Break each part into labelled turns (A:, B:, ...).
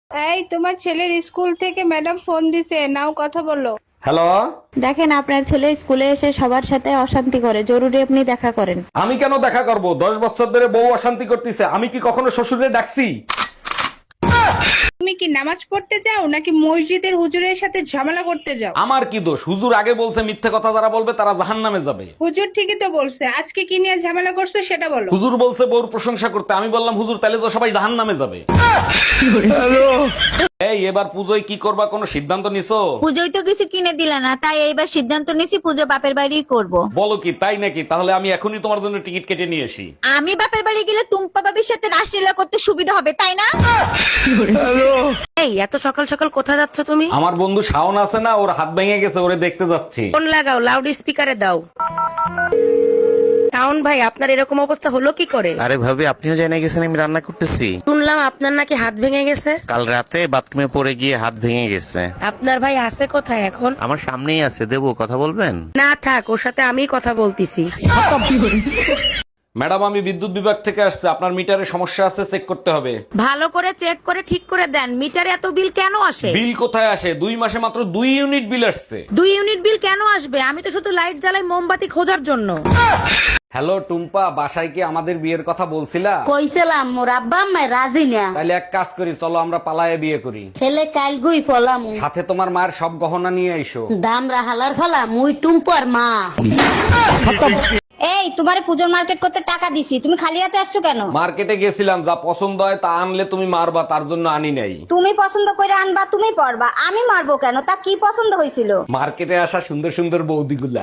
A: এই তোমার ছেলের স্কুল থেকে ম্যাডাম ফোন দিছে, নাও কথা বলো।
B: হ্যালো।
C: দেখেন আপনার ছেলে স্কুলে এসে সবার সাথে অশান্তি করে, জরুরি আপনি দেখা করেন।
B: আমি কেন দেখা করব? 10 বছর ধরে বউ অশান্তি করতেছে, আমি কি কখনো শ্বশুরে ডাকছি?
A: তুমি কি নামাজ পড়তে যাও নাকি মসজিদের হুজুরের সাথে ঝামেলা করতে যাও?
B: আমার কি দোষ? হুজুর আগে বলছে মিথ্যে কথা যারা বলবে তারা জাহান্নামে যাবে।
A: হুজুর ঠিকই তো বলছে, আজকে কি নিয়ে ঝামেলা করছো সেটা বলো।
B: হুজুর বলছে বউর প্রশংসা করতে, আমি বললাম হুজুর তাহলে তো সবাই জাহান্নামে যাবে। এই এবার পুজোয় কি করবা, কোনো সিদ্ধান্ত নিছো?
C: পুজোয় তো কিছু কিনে দিলে না, তাই এইবার সিদ্ধান্ত নিছি পুজো বাপের বাড়িই করব।
B: বলো কি, তাই নাকি? তাহলে আমি এখনই তোমার জন্য টিকিট কেটে নিয়ে আসি।
C: আমি বাপের বাড়ি গেলে টুম্পা বাবির সাথে রাসলীলা করতে সুবিধা হবে, তাই না?
D: এই এত সকাল সকাল কোথায় যাচ্ছ তুমি?
B: আমার বন্ধু শাওন আছে না, ওর হাত ভেঙে গেছে, ওরে দেখতে যাচ্ছি।
D: ফোন লাগাও, লাউড স্পিকারে দাও। শাওন ভাই, আপনার এরকম অবস্থা হলো কি করে?
E: আরে ভাবি, আপনিও জেনে গেছেন আমি রান্না করতেছি।
D: শুনলাম আপনার নাকি হাত ভেঙে গেছে।
E: কাল রাতে বাথরুমে পড়ে গিয়ে হাত ভেঙে গেছে।
D: আপনার ভাই আছে কোথায় এখন?
E: আমার সামনেই আছে, দেবো, কথা বলবেন?
D: না থাক, ওর সাথে আমি কথা বলতিছি।
B: ম্যাডাম, আমি বিদ্যুৎ বিভাগ থেকে আসছে, আপনার মিটারে সমস্যা আছে, চেক করতে হবে।
D: ভালো করে চেক করে ঠিক করে দেন। মিটারে এত বিল কেন আসে?
B: বিল কোথায় আসে? 2 মাসে মাত্র 2 ইউনিট বিল আসছে।
D: 2 ইউনিট বিল কেন আসবে? আমি তো শুধু লাইট জ্বালাই মোমবাতি খোঁজার জন্য।
B: হ্যালো টুম্পা, বাসায় কি আমাদের বিয়ের কথা বলছিলা?
F: কইছিলাম মোর আব্বা আম্মা রাজি না।
B: তাহলে এক কাজ করি, চলো আমরা পালায়ে বিয়ে করি।
F: ছেলে কাল গুই ফলাম
B: সাথে তোমার মায়ের সব গহনা নিয়ে আইসো।
F: দাম রাহালার ফলা মুই টুম্পর মা।
G: এই তোমারে পুজোর মার্কেট করতে টাকা দিছি, তুমি খালি হাতে আসছো কেন?
B: মার্কেটে গেছিলাম, যা পছন্দ হয় তা আনলে তুমি মারবা, তার জন্য আনি নাই।
G: তুমি পছন্দ করে আনবা, তুমি পরবা, আমি মারবো কেন? তা কি পছন্দ হয়েছিল?
B: মার্কেটে আসা সুন্দর সুন্দর বৌদিগুলা।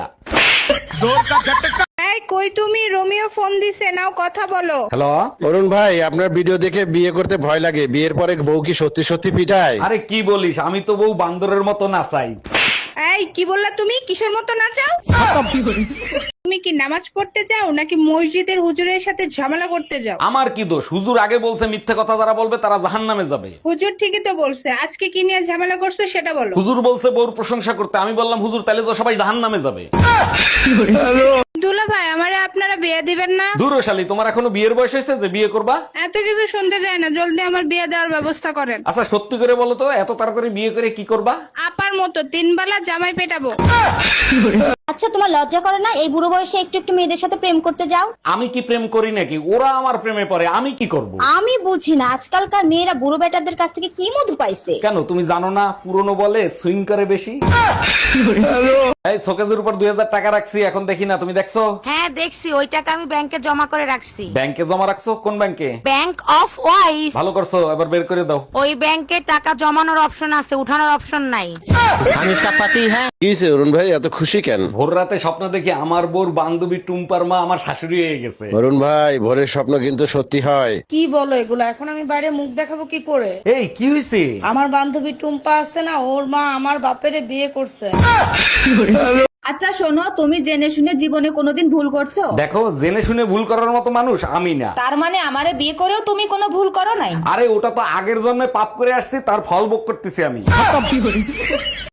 A: এই কই তুমি, রোমিও ফোন দিছে, নাও কথা বলো।
B: হ্যালো।
H: অরুণ ভাই, আপনার ভিডিও দেখে বিয়ে করতে ভয় লাগে। বিয়ের পরে বউ কি সত্যি সত্যি পিটায়?
B: আরে কি বলিস, আমি তো বউ বান্দরের মতো নাচাই।
A: এই কি বললা তুমি, কিসের মতো নাচাও? তুমি কি নামাজ পড়তে যাও নাকি মসজিদের হুজুরের সাথে ঝামেলা করতে যাও?
B: আমার কি দোষ? হুজুর আগে বলছে মিথ্যে কথা যারা বলবে তারা জাহান্নামে যাবে।
A: হুজুর ঠিকই তো বলছে, আজকে কি নিয়ে ঝামেলা করছো সেটা বলো।
B: হুজুর বলছে বউর প্রশংসা করতে, আমি বললাম হুজুর তাহলে তো সবাই জাহান্নামে যাবে।
A: দুলা ভাই, আমারে আপনারা বিয়ে দিবেন না?
B: দূরশালী, তোমার এখনো বিয়ের বয়স হয়েছে যে বিয়ে করবা?
A: এত কিছু শুনতে যায় না, জলদি আমার বিয়ে দেওয়ার ব্যবস্থা করেন।
B: আচ্ছা সত্যি করে বলো তো, এত তাড়াতাড়ি বিয়ে করে কি করবা?
A: আপার মতো 3 বেলা জামাই পেটাবো।
G: আচ্ছা, তোমার লজ্জা করে না এই বুড়ো বয়সে একটু একটু মেয়েদের সাথে প্রেম করতে যাও?
B: আমি কি প্রেম করি নাকি? ওরা আমার প্রেমে পড়ে, আমি কি করব?
G: আমি বুঝি না আজকালকার মেয়েরা বুড়ো বেটাদের কাছ থেকে কি মধু পাইছে।
B: কেন তুমি জানো না, পুরনো বলে সুইং করে বেশি। এই শোকেজের উপর 2000 টাকা রাখছি, এখন দেখি না, তুমি দেখছো?
D: হ্যাঁ দেখছি, ওই টাকা আমি ব্যাংকে জমা করে রাখছি।
B: ব্যাংকে জমা রাখছো? কোন ব্যাংকে?
D: Bank of wife.
B: ভালো করছো, এবার বের করে দাও।
D: ওই ব্যাংকে টাকা জমানোর অপশন আছে, উঠানোর অপশন নাই।
H: কি হয়েছে অরুণ ভাই, এত খুশি কেন?
B: ভোর রাতে স্বপ্ন দেখি আমার বোর বান্ধবী টুম্পার মা আমার শাশুড়ি হয়ে গেছে।
H: অরুণ ভাই, ভোরের স্বপ্ন কিন্তু সত্যি হয়।
I: কি বলো এগুলো? এখন আমি বাইরে মুখ দেখাবো কি করে?
B: এই কি হয়েছে?
I: আমার বান্ধবী টুম্পা আছে না, ওর মা আমার বাপেরে বিয়ে করছে।
J: আচ্ছা শোনো, তুমি জেনে শুনে জীবনে কোনোদিন ভুল করছো?
B: দেখো, জেনে শুনে ভুল করার মতো মানুষ আমি না।
J: তার মানে আমারে বিয়ে করেও তুমি কোনো ভুল করো নাই?
B: আরে ওটা তো আগের জন্মে পাপ করে আসছি, তার ফল ভোগ করতেছি আমি।